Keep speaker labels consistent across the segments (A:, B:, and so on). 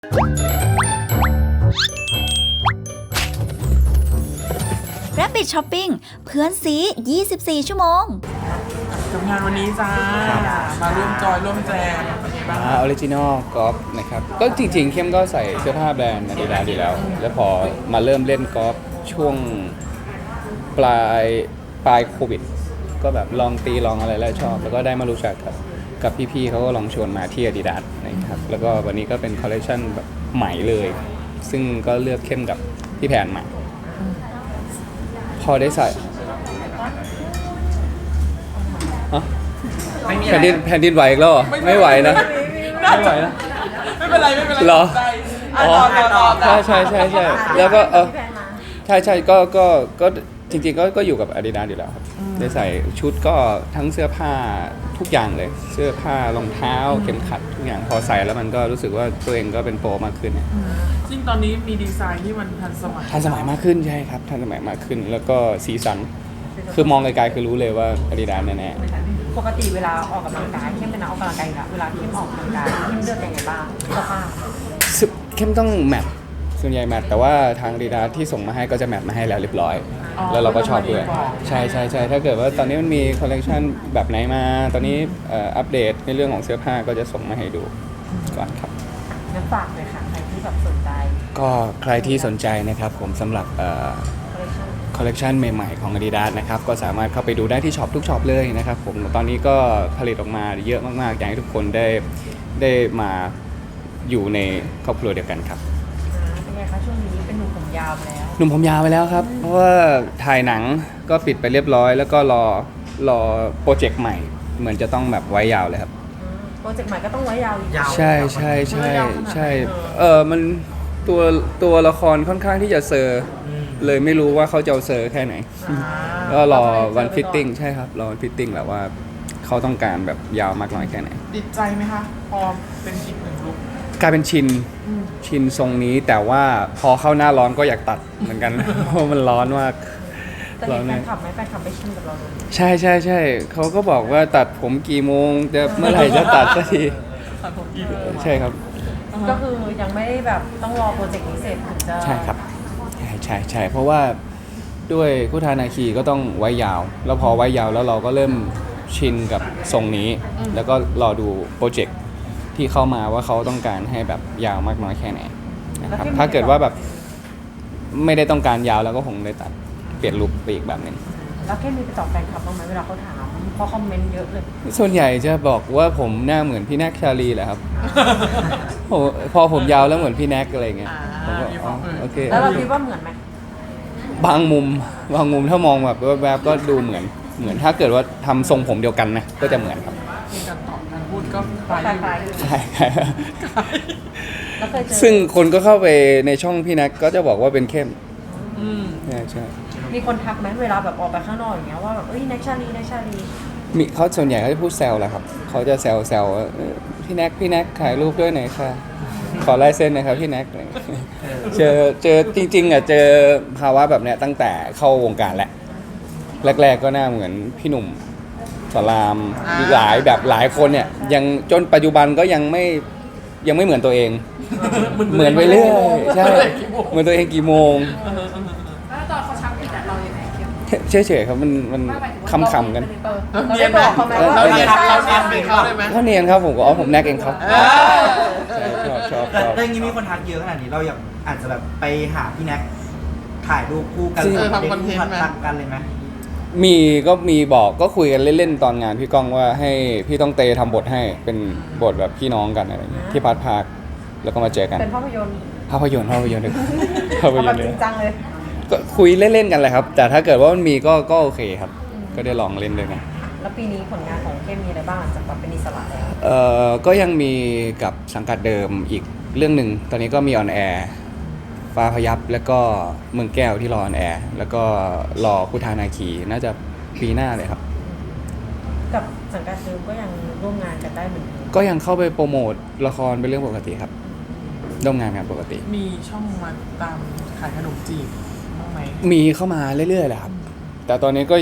A: Rabbit Shopping เพื่อนซี24 ชั่วโมง
B: กับงานวันนี้จ้ามาร่วมจอยร่วมแจมเป็นไงบ้าง
C: ออริจินอลกอล์ฟนะครับก็จริงๆเข้มก็ใส่เสื้อผ้าแบรนด์อาดิดาสดีแล้วแล้วพอมาเริ่มเล่นกอล์ฟช่วงปลายโควิดก็แบบลองตีลองอะไรแล้วชอบแล้วก็ได้มารู้จักกับพี่ๆเขาก็ลองชวนมาที่อาดิดาสนะครับแล้วก็วันนี้ก็เป็นคอลเลคชันแบบใหม่เลยซึ่งก็เลือกเข้มกับพี่แผนมาพอได้ใส่แผ่นดินไหวอีกแล้วเหรอไม่ไหวนะไม่ไหวนะ
B: ไม่เป็นไร
C: เหรอ
B: อ๋อ
C: ใช่แล้วก็ใช่ก็จริงๆก็อยู่กับ Adidas อยู่แล้วครับได้ใส่ชุดก็ทั้งเสื้อผ้าทุกอย่างเลยเสื้อผ้ารองเท้าเข็มขัดทุกอย่างพอใส่แล้วมันก็รู้สึกว่าตัวเองก็เป็นโปรมากขึ้น
B: ซึ่งตอนนี้มีดีไซน์ที่มันทันสมัย
C: มากขึ้นใช่ครับทันสมัยมากขึ้นแล้วก็สีสันคือมองไกลๆคือรู้เลยว่า Adidas แน่
D: ๆปกติเวลาออกกำลังกายเข้มเป็นนักออกกำลังกายอยู่แล้วเวลาเข้มออกกำลังกายเข้มเลือกยังไงบ้างเสื้อผ้า
C: เข้มต้องแมทส่วนใหญ่แมทแต่ว่าทาง Adidas ที่ส่งมาให้ก็จะแมทมาให้แล้วเรียบร้อยแล้วเราก็ชอบด้วยใช่ถ้าเกิดว่าตอนนี้มันมีคอลเลคชันแบบไหนมาตอนนี้อัปเดตในเรื่องของเสื้อผ้าก็จะส่งมาให้ดูก่อนครับ
D: งั้นฝากเลยค่ะใครที่แบบสนใจ
C: ก็ใครที่สนใจนะครับผมสำหรับคอลเลคชันใหม่ๆของ Adidas นะครับก็สามารถเข้าไปดูได้ที่ช็อปทุกช็อปเลยนะครับผมตอนนี้ก็ผลิตออกมาเยอะมากๆอยากให้ทุกคนได้มาอยู่ในครอบครัวเดียวกันครับ
D: เป็นไงคะช่วงนี้เป็นหนุ่มผมยาวไปแล้ว
C: หนุ่มผมยาวไปแล้วครับเพราะว่าถ่ายหนังก็ปิดไปเรียบร้อยแล้วก็รอโปรเจกต์ใหม่เหมือนจะต้องแบบไว้ยาวเลยครับ
D: โปรเจกต์ใหม่ก็ต้องไว้ยาวอีก
C: ใช่มันตัวละครค่อนข้างที่จะเซอร์เลยไม่รู้ว่าเขาจะเอาเซอร์แค่ไหนก็รอวันฟิตติ้งใช่ครับรอวันฟิตติ้งแหละว่าเขาต้องการแบบยาวมากน้อยแค่ไหน
B: ติดใจไหมคะพอเป็นอีกหนึ่งลุค
C: กลายเป็นชินทรงนี้แต่ว่าพอเข้าหน้าร้อนก็อยากตัดเหมือนกันเพราะมันร้อนมาก
D: แต่แฟนคลับไหมแฟนคลับไม่ชินกับเราเลย
C: ใช่เขาก็บอกว่าตัดผมกี่โมงจะเมื่อไหร่จะตัดสักที
B: ตัดผมกี่โมง
C: ใช่ครับ
D: ก็คือยังไม่ได้แบบต้องรอโปรเจกต์นี้เสร็จถึงจะ
C: ใช่ครับใช่เพราะว่าด้วยคุทานาคีก็ต้องไว้ยาวแล้วพอไว้ยาวแล้วเราก็เริ่มชินกับทรงนี้แล้วก็รอดูโปรเจกต์ที่เข้ามาว่าเขาต้องการให้แบบยาวมากน้อยแค่ไหนนะครับถ้าเกิดว่าแบบไม่ได้ต้องการยาวแล้วก็คงได้ตัดเปลี่ยนลุคไปอีกแบบนึง
D: แล้วแค่มีไปตอบแฟนคลับบ้างไหมเวลาเขาถามเพราะคอมเมนต์เยอะเลย
C: ส่วนใหญ่จะบอกว่าผมหน้าเหมือนพี่แน็กชาลีแหละครับพอผมยาวแล้วเหมือนพี่แน็กอะไรเงี้ยผมก็โอเค
D: แล้วเราคิดว่าเหมือนไหม
C: บางมุมถ้ามองแบบแวบๆก็ดูเหมือนถ้าเกิดว่าทำทรงผมเดียวกันนะก็จะเหมือนครับ
B: การตอบการพูดก็คล้าย
C: ใช่ซึ่งคนก็เข้าไปในช่องพี่แน็กก็จะบอกว่าเป็นเข้มใช่
D: มีคนทักไหมเวลาแบบออกไปข้างนอกอย่างเงี้ยว่าแบบแน็กชาลี
C: มีเขาส่วนใหญ่เขาจะพูดแซวแหละครับเขาจะแซวพี่แน็กถ่ายรูปด้วยหน่อยค่ะขอลายเซ็นหน่อยครับพี่แน็กเจอจริงๆเจอภาวะแบบเนี้ยตั้งแต่เข้าวงการแหละแรกๆก็หน้าเหมือนพี่หนุ่มสลามหลายคนเนี่ยยังจนปัจจุบันก็ยังไม่เหมือนตัวเองเหมือนไปเรื่อยใช่เหมือนตัวเองกี่โมง
E: แล้วตอนเขาชักผิดเราอย่างไร
C: เฉยๆครับมันคำกัน
B: เนียนไหมเราเนียน
C: เขาเนียนครับผมก็ผมแน็กเองครับชอบ
F: แต่อย่างนี้มีคนทักเยอะขนาดนี้เราอยากอาจจะแบบไปหาพี่แน็กถ่ายรูปคู่กัน
B: ทำคอนเทนต์
F: กันเลยไหม
C: ก็มีบอกก็คุยกันเล่นๆตอนงานพี่ก้องว่าให้พี่ต้องเตทำบทให้เป็นบทแบบพี่น้องกันอะไรอย่างเงี้ยที่พาร์ทพาร์คแล้วก็มาเจอกัน
D: เป็นภาพยนตร์
C: เลย
D: จริงจังเลย
C: ก็คุยเล่นๆกันเลยครับแต่ถ้าเกิดว่ามันมีก็โอเคครับก็ได้ลองเล่นด้วยกัน
D: แล้วปีนี้ผลงานของเข้มมีอะไรบ้างหลังจากเป็นอิสระแล้ว
C: ก็ยังมีกับสังกัดเดิมอีกเรื่องหนึ่งตอนนี้ก็มีออนแอร์ฟ้าพยับแล้วก็เมืองแก้วที่รอออนแอร์แล้วก็รอคุทานาคีน่าจะปีหน้าเลยครับ
D: กับสังกัดเดิมก็ยังร่วมงานกันได้เหมือน
C: ก็ยังเข้าไปโปรโมทละครเป็นเรื่องปกติครับร่วมงานกันปกติ
B: มีช่องมาตามขายขนมจีบบ้างไหม
C: มีเข้ามาเรื่อยๆแหละครับแต่ตอนนี้ก็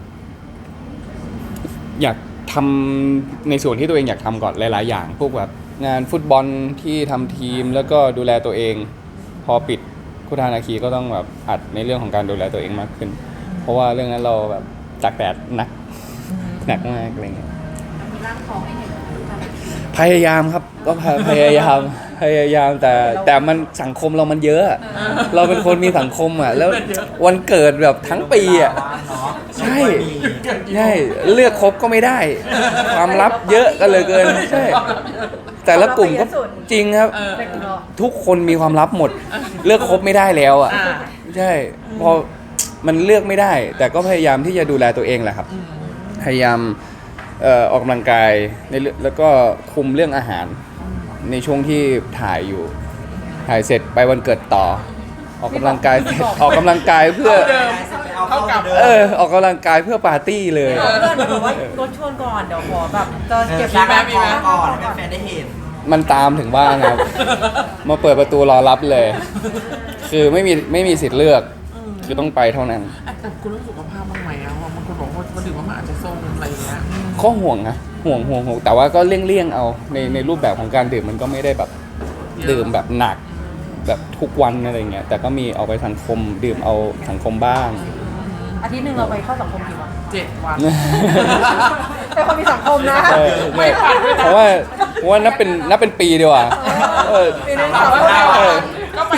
C: อยากทำในส่วนที่ตัวเองอยากทำก่อนหลายๆอย่างพวกแบบงานฟุตบอลที่ทำทีมแล้วก็ดูแลตัวเอง พอปิดคุทานาคีก็ต้องแบบอัดในเรื่องของการดูแลตัวเองมากขึ้น เพราะว่าเรื่องนั้นเราแบบตากแดดหนักมากอะไรเงี้ย
E: มีร่างทองให้เห็น
C: พยายามครับก็พยายามแต่มันสังคมเรามันเยอะอะเราเป็นคนมีสังคมอ่ะแล้ววันเกิดแบบทั้งปีอ่ะ ใช่ ใช่เลือกครบก็ไม่ได้ ความลับเยอะกันเลยเกินใช่แต่ละกลุ่มก็จริงครับ ทุกคนมีความลับหมด เลือกครบไม่ได้แล้วอ่ะใช่พอมันเลือกไม่ได้ แต่ก็พยายามที่จะดูแลตัวเองแหละครับ พยายามออกกำลังกายในแล้วก็คุมเรื่องอาหารในช่วงที่ถ่ายอยู่ถ่ายเสร็จไปวันเกิดต่อ ออกกำลังกายเสร็จออกกำลังกายเพื่อ
B: เท่ากับ
C: ออกกำลังกายเพื่อปาร์ตี้เลย
D: เพื่อนบอกว่ารถชวนก่อนเดี๋ยวขอแบบจะเก็บ
F: มีไหมก่อนให้แฟนได้เห็น
C: มันตามถึงบ้านครับ มาเปิดประตูรอรับเลย คือไม่มีสิทธิ์เลือก คือต้องไปเท่านั้น
B: แต่คุณรู้สุขภาพบ้างไหมอะว่าบางคนบอกว่าดื่มมาอาจจะโซมอะไรอย่างเงี้ย
C: ข้อห่วงนะห่วงแต่ว่าก็เลี่ยงเอาในรูปแบบของการดื่มมันก็ไม่ได้แบบดื่มแบบหนักแบบทุกวันอะไรเงี้ยแต่ก็มีเอาไปสังคมดื่มเอาสังคมบ้าง
D: อาทิตย์หนึ่งเราไปเข้าสังคมกี่วัน
B: 7 วัน
D: เป็นคนมีสังคมนะ
C: เออไม่เพราะว่านับเป็นปีดีกว่าเออ
D: ปีนึง
B: 365
C: เอ
B: วั
C: อ
B: นก็ไป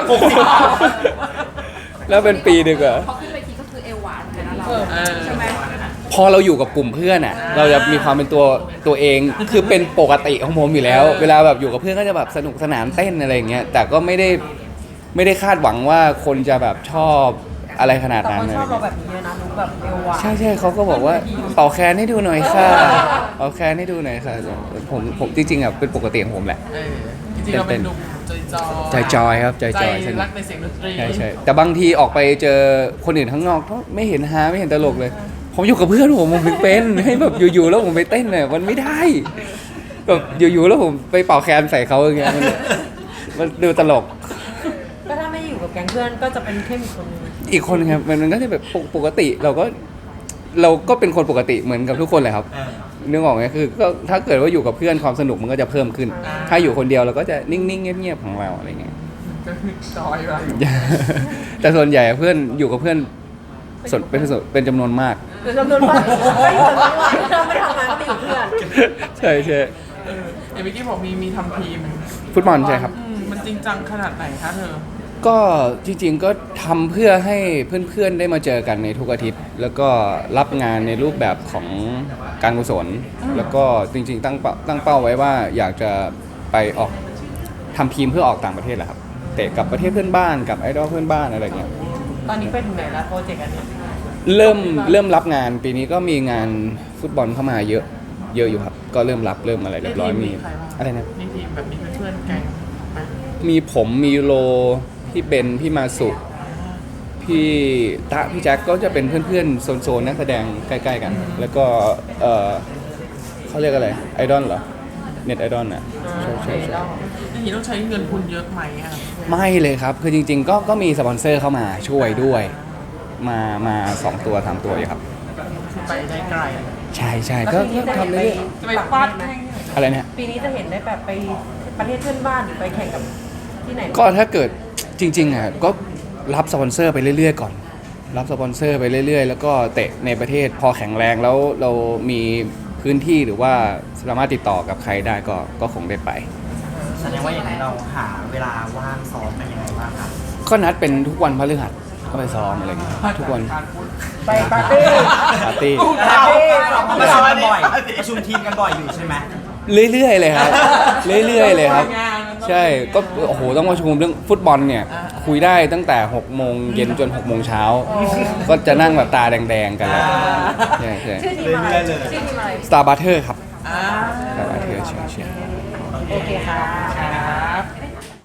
B: 365
C: แล้วเป็นปีดีกว่า
E: พอขึ้นเวทีก็คือเอวหวานเลยนะเรา
B: ใช่ไหม
C: พอเราอยู่กับกลุ่มเพื่อนอ่ะ เราจะมีความเป็นตัวเอง คือเป็นปกติของผมอยู่แล้ว เวลาแบบอยู่กับเพื่อนก็จะแบบสนุกสนานเต้นอะไรอย่างเงี้ย แต่ก็ไม่ได้คาดหวังว่าคนจะแบบชอบอะไรขนาด
D: แต่
C: นั้น
D: คน
C: อะไร
D: ชอบเรา
C: เงี้ย
D: แบบนี้เยอะนะรู้แบบเอวหวาน
C: ใช่เขาก็บอกว่าเป่าแคนให้ดูหน่อยค่ะเป่าแคนให้ดูหน่อยค่ะผมจริงๆอ่ะเป็นปกติของผมแหละ
B: จริงๆเราเป็นหนุ่มใจจอย
C: ครับใจจอย
B: ใจ
C: สนุ
B: รั
C: ก
B: กในเสียงดนตรี
C: ใช่แต่บางทีออกไปเจอคนอื่นข้างนอกก็ไม่เห็นฮาไม่เห็นตลกเลย ผมอยู่กับเพื่อนผมถึงเป็นให้แบบอยู่ๆแล้วผมไปเต้นเนี่ยมันไม่ได้แบบอยู่ๆแล้วผมไปเป่าแคนใส่เขาอย่างเงี้ยมันดูตลก
D: ก็ถ้าไม่อยู่กับแก๊งเพื่อนก็จะเป็นเข้มอีกคนนึง
C: อีกคนครับมันก็จะแบบปกติเราก็เป็นคนปกติเหมือนกับทุกคนเลยครับนึกออกไหมคือก็ถ้าเกิดว่าอยู่กับเพื่อนความสนุกมันก็จะเพิ่มขึ้น ถ้าอยู่คนเดียวเราก็จะนิ่งๆเงียบๆของเราอะไรเงี้ย
B: ก็คือจอยไป
C: แต่ส่วนใหญ่เพื่อนอยู่กับเพื่อนเป็นจำนวนมาก
D: เดี๋ยวจำนวนวันไม่อยู่ทั้งวันเราไม่ทำงานก็ไปอยู่เพื่อน
C: ใช่
B: เมื่อกี้บอกมีทำทีม
C: ฟุตบอลใช่ครับ
B: มันจริงจังขนาดไหนคะเธอ
C: ก็จริงๆก็ทำเพื่อให้เพื่อนๆได้มาเจอกันในทุกอาทิตย์ แล้วก็รับงานในรูปแบบของการกุศลแล้วก็จริงๆตั้งเป้าไว้ว่าอยากจะไปออกทำทีมเพื่อออกต่างประเทศแหละครับเตะกับประเทศเพื่อนบ้านกับไอดอลเพื่อนบ้านอะไรเงี้ย
D: ตอนนี้ไปถึงไหนแล้วโปรเจกต์อันเนี้ย
C: เริ่มรับงานปีนี้ก็มีงานฟุตบอลเข้ามาเยอะอยู่ครับก็เริ่มอะไรเรียบร้อยมีอะไรนะ
B: นี่ทีมแบบนี้เพื่อนๆแก๊งไหม
C: มีผมมีโลพี่เบนพี่มาสุพี่ตะพี่แจ็คก็จะเป็นเพื่อนๆโซนนักแสดงใกล้ๆกัน แล้วก็เขาเรียกอะไรไอดอลเหรอเน็ตไอดอลน่ะใช่
B: อย่างนี้ต้องใช้เงินทุนเยอะไหมอ่ะ
C: ไม่เลยครับคือจริงๆก็มีสปอนเซอร์เข้ามาช่วยด้วยมา2 ตัว3 ตัวอยู่ครับ
B: คือไปได้ไกล
C: ใช่ก็ทำเรื่อย
B: จะไปฟาดแข้ง
C: ๆอะไรนะ
D: ปีนี้จะเห็นได้แบบไปประเทศเพื่อนบ้านหรือไปแข่งกับที่ไหน
C: ก็ถ้าเกิดจริงๆอ่ะก็รับสปอนเซอร์ไปเรื่อยๆก่อน รับสปอนเซอร์ไปเรื่อยๆ แล้วก็เตะในประเทศพอแข็งแรงแล้วเรามีพื้นที่หรือว่าสามารถติดต่อกับใครได้ก็คงได้ไป
F: แสดงว่าอย่างไรเราหาเวลาว่างซ้อมกันยังไงบ้างครับ
C: ก็นัดเป็นทุกวันพฤหัสก็ไปซ้อมอะไรเงี้ยทุกวัน
D: ไปปาร์ตี้
C: ปาร์ตี้
F: ประชุมกันบ่อยประชุมทีมกันบ่อยอยู่ใช่ไหม
C: เรื่อยๆเลยครับเรื่อยๆเลยครับ ใช่ก็โอ้โหต้องมาชมเรื่องฟุตบอลเนี่ยคุยได้ตั้งแต่6 โมงเย็นจน6 โมงเช้าก็จะนั่งแบบตาแดงๆกันแล้วใช่
D: ชื่อทีมอะไรชื่อทีมอะไร
C: Star Butter ครับ
B: อ่า
C: Star Butter ใช่
D: โอเคค่ะ